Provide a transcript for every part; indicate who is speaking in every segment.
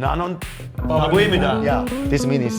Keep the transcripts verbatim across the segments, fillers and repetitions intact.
Speaker 1: 나는 바보입니다.
Speaker 2: Yeah, this means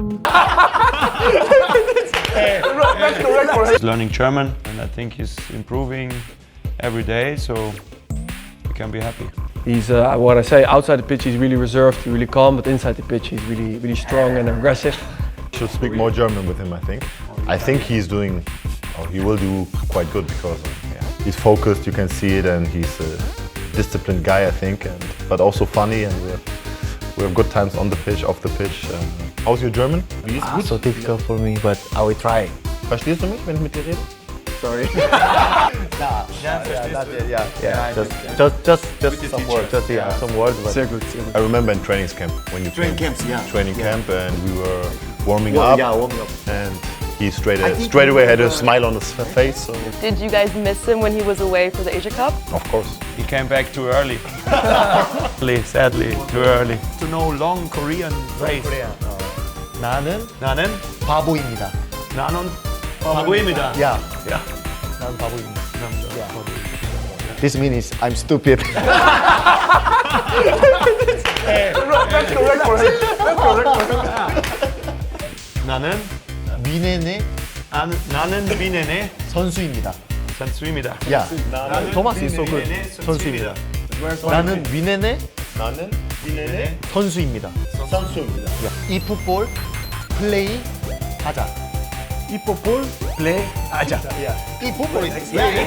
Speaker 1: He's learning German, and I think he's improving every day, so we can be happy.
Speaker 3: He's, uh, what I say, outside the pitch he's really reserved, really calm, but inside the pitch he's really, really strong and aggressive.
Speaker 4: Should speak more German with him, I think. I think he's doing, or he will do quite good because yeah, he's focused, you can see it, and he's a disciplined guy, I think, and, but also funny, and we have, we have good times on the pitch, off the pitch. Um, how's your German? Wie ist
Speaker 2: ah,
Speaker 4: gut?
Speaker 2: so difficult for me, but I will try.
Speaker 4: Verstehst du mich, wenn ich mit dir rede?
Speaker 2: Sorry. nah, yeah, yeah, that's it, yeah, yeah. Just, just, just, just some words, just yeah, some words. But
Speaker 3: Sehr gut, sehr gut.
Speaker 4: I remember in training camp when you
Speaker 2: Training
Speaker 4: came,
Speaker 2: camps, yeah.
Speaker 4: training
Speaker 2: Yeah.
Speaker 4: camp, and we were warming
Speaker 2: Well,
Speaker 4: up,
Speaker 2: yeah, warming up.
Speaker 4: and he straight straight away had a smile on his face. So
Speaker 5: Did you guys miss him when he was away for the Asia Cup?
Speaker 4: of course.
Speaker 1: He came back too early. Sadly, sadly, too early. To know long Korean phrase.
Speaker 2: 나는
Speaker 1: 나는
Speaker 2: 바보입니다.
Speaker 1: 나는 바보입니다.
Speaker 2: Yeah,
Speaker 1: Yeah.
Speaker 2: 나는 바보입니다. This means I'm stupid.
Speaker 1: 나는
Speaker 2: 미네네
Speaker 1: 나는 나는 비네네
Speaker 2: 선수입니다.
Speaker 1: 선수입니다.
Speaker 2: Yeah, Thomas is so good.
Speaker 1: 비네네
Speaker 2: 선수입니다. 나는 위네네
Speaker 4: 나는 비네네
Speaker 2: 선수입니다.
Speaker 4: 선수입니다.
Speaker 2: Yeah. 이 풋볼 플레이 하자. 이 풋볼 플레이 하자. Yeah. 이 풋볼이 플레이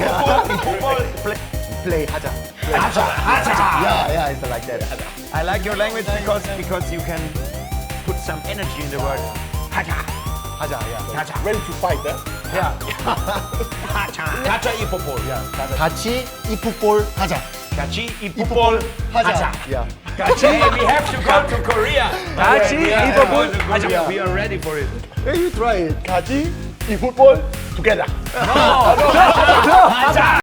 Speaker 2: 플레이 하자. 하자. 하자. Yeah, yeah, it's like that.
Speaker 1: I like your language because because you can put some energy in the word. 하자.
Speaker 2: 하자. Yeah.
Speaker 1: 하자.
Speaker 4: Ready to fight, eh?
Speaker 1: 하자. 하자 이 풋볼.
Speaker 2: 같이 이 풋볼 하자.
Speaker 1: 같이 이 풋볼 하자.
Speaker 2: Yeah.
Speaker 1: 같이 we have to go to Korea. 같이 이 풋볼 하자. We are ready for it.
Speaker 2: Hey, you try it.
Speaker 4: 같이 이 풋볼 together.
Speaker 1: 하자.